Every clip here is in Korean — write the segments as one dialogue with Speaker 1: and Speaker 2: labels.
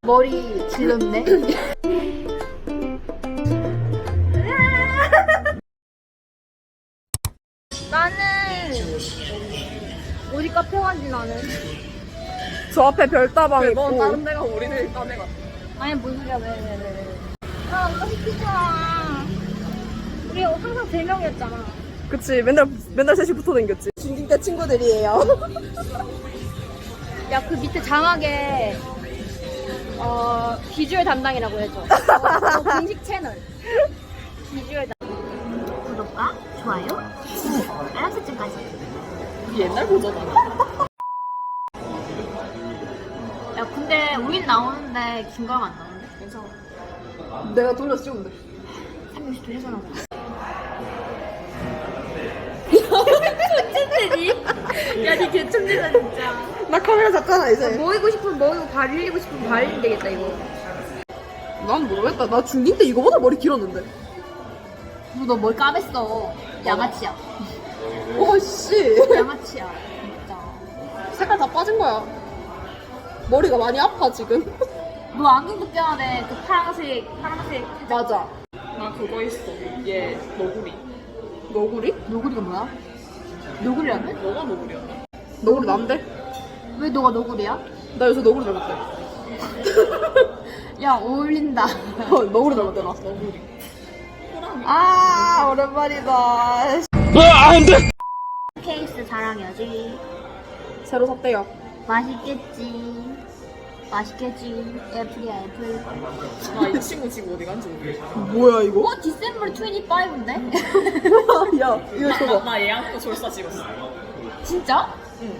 Speaker 1: 머리 질렀네. 나는 어디 카페 간지 나는.
Speaker 2: 저 앞에 별다방
Speaker 3: 넌
Speaker 2: 있고.
Speaker 3: 다른 데가 우리들 딴 데가.
Speaker 1: 아니 뭔 소리야 왜. 아 오빠 시키자. 우리 항상 3명이었잖아.
Speaker 2: 그치, 맨날 셋이 붙어 댕겼지. 중딩 때 친구들이에요.
Speaker 1: 야 그 밑에 장하게 비주얼 담당이라고 해줘. 공식 채널. 비주얼 담당. 구독과 좋아요, 알람 설정까지.
Speaker 3: 옛날 버전이야.
Speaker 1: 야 근데 우린 나오는데 김가영 안 나오는데?
Speaker 3: 괜찮아.
Speaker 2: 내가 돌려서 찍으면 돼.
Speaker 1: 360도 해서 천재들이? 야니 개천재다 진짜.
Speaker 2: 나 카메라 잡잖아, 이제.
Speaker 1: 모이고 싶으면 모이고 발 흘리고 싶으면 발 흘리면 되겠다 이거.
Speaker 2: 난 모르겠다. 나 중딩 때 이거보다 머리 길었는데.
Speaker 1: 너 머리 까맸어. 양아치야.
Speaker 2: 씨.
Speaker 1: 양아치야. 진짜.
Speaker 2: 색깔 다 빠진 거야. 머리가 많이 아파, 지금.
Speaker 1: 너 안경도 껴야 돼. 그 파란색.
Speaker 2: 맞아.
Speaker 3: 나 그거 있어. 얘 너구리.
Speaker 2: 너구리?
Speaker 1: 너구리가 뭐야? 너구리라며?
Speaker 3: 너가 너구리였나?
Speaker 2: 너구리 난데?
Speaker 1: 왜 너가 너구리야?
Speaker 2: 나 요새 너구리 닮았대.
Speaker 1: 야 어울린다.
Speaker 2: 너구리 닮았대, 나.
Speaker 3: 너구리. 호랑이.
Speaker 2: 아, 오랜만이다.
Speaker 1: 케이스 자랑해야지.
Speaker 2: 새로 샀대요.
Speaker 1: 맛있겠지. 애플이야 애플.
Speaker 3: 나 이 친구 지금 어디 간지 모르겠어.
Speaker 2: 뭐야, 이거?
Speaker 1: 디셈버 25인데?
Speaker 2: 야, 이거 줘봐.
Speaker 3: 나 얘한테 졸사 찍었어.
Speaker 1: 진짜?
Speaker 3: 응.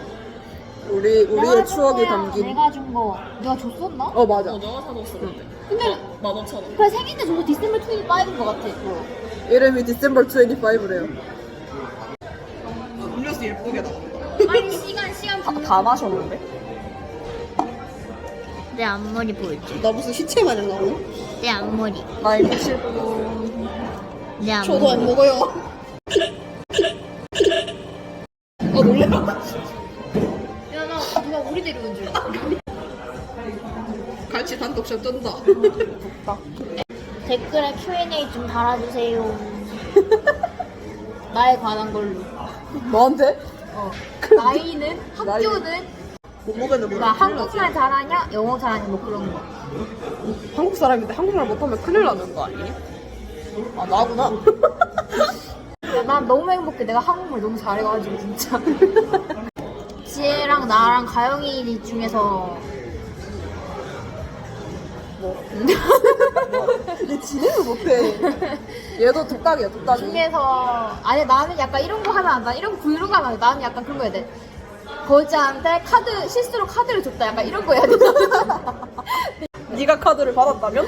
Speaker 2: 우리의 추억이 담긴.
Speaker 1: 내가 준 거 내가 줬었나?
Speaker 2: 어, 맞아.
Speaker 3: 너가 사줬어 그때.
Speaker 1: 근데
Speaker 3: 15,000원.
Speaker 1: 그래 생일때 저거 디셈버 25인 거 같아.
Speaker 2: 이름이 디셈버 25래요. 음료수 예쁘게 나온다.
Speaker 1: 아니 시간
Speaker 3: 다 마셨는데?
Speaker 1: 내 앞머리 보여줘.
Speaker 2: 나 무슨 시체 마냥 나오네?
Speaker 1: 내 앞머리.
Speaker 3: 나 이거 치고.
Speaker 1: 내 앞머리.
Speaker 2: 저도 안 먹어요. 놀래라.
Speaker 1: 야, 나 누가 우리 데려온 줄 알았어.
Speaker 2: 같이 단독샷 쩐다.
Speaker 1: 댓글에 Q&A 좀 달아주세요. 나에 관한 걸로.
Speaker 2: 너한테?
Speaker 1: 나이는? 학교는?
Speaker 2: 몸무게는
Speaker 1: 나 한국말 잘하냐? 영어 잘하냐? 뭐 그런 거.
Speaker 2: 한국 사람인데 한국말 못하면 큰일 나는 거 아니니? 아, 나구나.
Speaker 1: 야, 난 너무 행복해. 내가 한국말 너무 잘해가지고 진짜. 지혜랑 나랑 가영이 중에서
Speaker 2: 얘 지내를 못해. 얘도 독딱이야, 독딱이.
Speaker 1: 중에서 아니 나는 약간 이런 거 하면 안 돼. 이런 브이로그 하면 안 돼. 나는 약간 그런 거 해야 돼. 거지한테 실수로 카드를 줬다. 약간 이런 거 해야 돼.
Speaker 2: 네가 카드를 받았다면?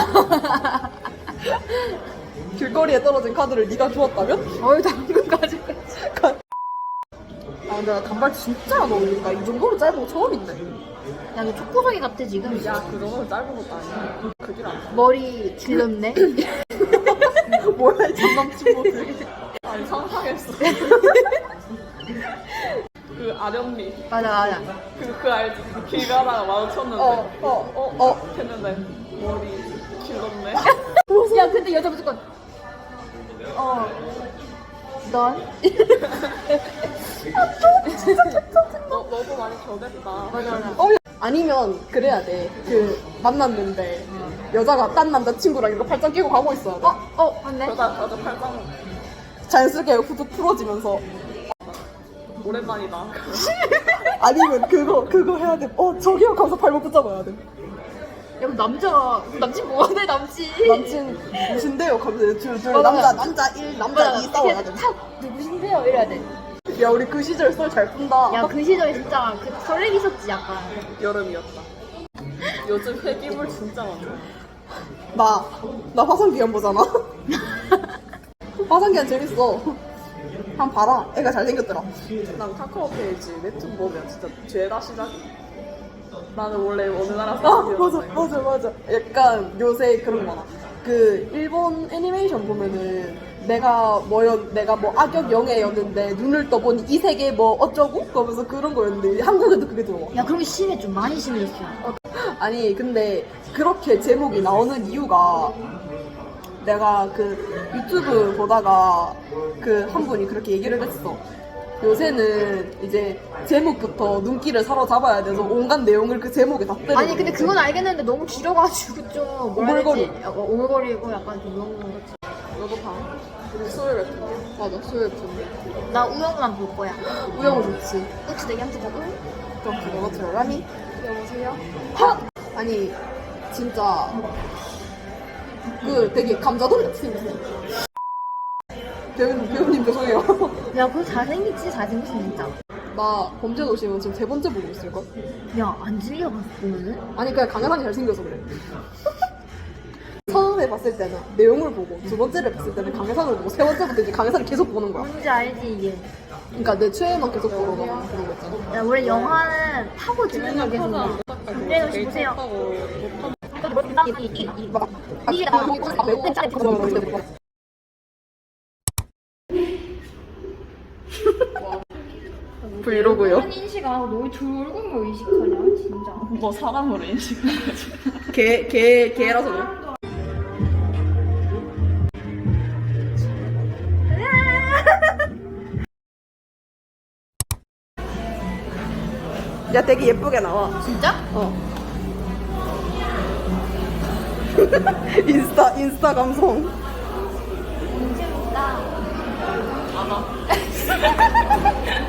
Speaker 2: 길거리에 떨어진 카드를 네가 주었다면?
Speaker 1: 어이 당근 가지고.
Speaker 2: 아, 근데 나 단발 진짜 안 어울린다. 이 정도로 짧은 거 처음 있네.
Speaker 1: 야, 너 초코송이 같아 지금.
Speaker 3: 야, 그 정도는 짧은 것도 아니야. 그길 안
Speaker 1: 머리 길렀네.
Speaker 2: 뭐야, 이 전남친구들.
Speaker 3: 아니, 상상했어. 그 아련미.
Speaker 1: 맞아.
Speaker 3: 그 알지? 길 가다가 마주쳤는데. 했는데. 머리 길렀네.
Speaker 1: 야, 근데 여자 무조건. 넌?
Speaker 3: 너도 많이 변했다.
Speaker 1: 맞아.
Speaker 2: 아니면 그래야 돼. 만났는데 여자가 딴 남자친구랑 이렇게 팔짱 끼고 가고 있어야 돼.
Speaker 1: 맞네.
Speaker 3: 그러다 나도 팔짱
Speaker 2: 자연스럽게 후드 풀어지면서.
Speaker 3: 오랜만이다.
Speaker 2: 아니면 그거 해야 돼. 저기요 가서 발목 붙잡아야 돼.
Speaker 1: 야, 남친 뭐하네, 남친.
Speaker 2: 남친 무신데요? 가면서 둘
Speaker 1: 맞아.
Speaker 2: 남자 1, 남자 2 싸워야 돼.
Speaker 1: 누구신데요? 이래야 돼.
Speaker 2: 야, 우리 그 시절 썰 잘 푼다.
Speaker 1: 야, 그 시절에 진짜 설레기 있었지, 약간.
Speaker 3: 여름이었다. 요즘 회기물 진짜 많아.
Speaker 2: 나 화성기한 보잖아. 화성기한 재밌어. 한번 봐라. 애가 잘생겼더라.
Speaker 3: 난 카카오 페이지 웹툰 보면 진짜 죄다 시작이야. 나는 원래 어느 나라 사람이었는데.
Speaker 2: 맞아. 약간 요새 그런 거 많아. 그 일본 애니메이션 보면은 내가 뭐 악역 영예였는데 눈을 떠보니 이 세계 뭐 어쩌고? 그러면서 그런 거였는데 한국에도 그게 들어와.
Speaker 1: 야, 그런 게 심해, 좀 많이 심해졌어.
Speaker 2: 아니 근데 그렇게 제목이 나오는 이유가 내가 그 유튜브 보다가 그 한 분이 그렇게 얘기를 했어. 요새는 이제 제목부터 눈길을 사로잡아야 돼서 온갖 내용을 그 제목에 다 때려.
Speaker 1: 아니 근데 그건 알겠는데 너무 길어가지고 좀 뭐라 해야
Speaker 2: 오글거려.
Speaker 1: 되지? 오글거리고 약간 좀 너무
Speaker 2: 너도 봐. 우리 수요일 같은 거. 맞아, 수요일 같은 거.
Speaker 1: 나 우영우만 볼 거야.
Speaker 2: 우영우 좋지.
Speaker 1: 그치 내기 한테 보고
Speaker 2: 그럼 그거 들어가니?
Speaker 1: 여보세요?
Speaker 2: 하! 아니, 진짜. 그 되게 감자돌이 같이 생겼어. 배우님 죄송해요.
Speaker 1: 야 그거 잘생겼지 잘생겼어 진짜.
Speaker 2: 나 범죄도시는 지금 3번째 보고 있을걸?
Speaker 1: 야 안 질려봤어 보면은?
Speaker 2: 아니 그냥 강하상이 잘생겨서 그래. 처음에 봤을 때는 내용을 보고 두 번째를 봤을 때는 강해상을 보고 세 번째부터 이제 강해상을 계속 보는 거야.
Speaker 1: 뭔지 알지 이게.
Speaker 2: 그러니까 내 최애만 계속 보러 가고 그런 거 있잖아.
Speaker 1: 야 원래 영화는 파고 듣는 거 계속. 김재현 씨 보세요. 이게 나
Speaker 2: 브이로그요?
Speaker 1: 인식 안 하고 너무 둥근 거 인식하냐 진짜.
Speaker 3: 뭐 사람으로 인식하는 거지.
Speaker 2: 개라서 그래. 야 되게 예쁘게 나와.
Speaker 1: 진짜?
Speaker 2: 어. 인스타 감성.
Speaker 1: 재밌다.
Speaker 3: 알아.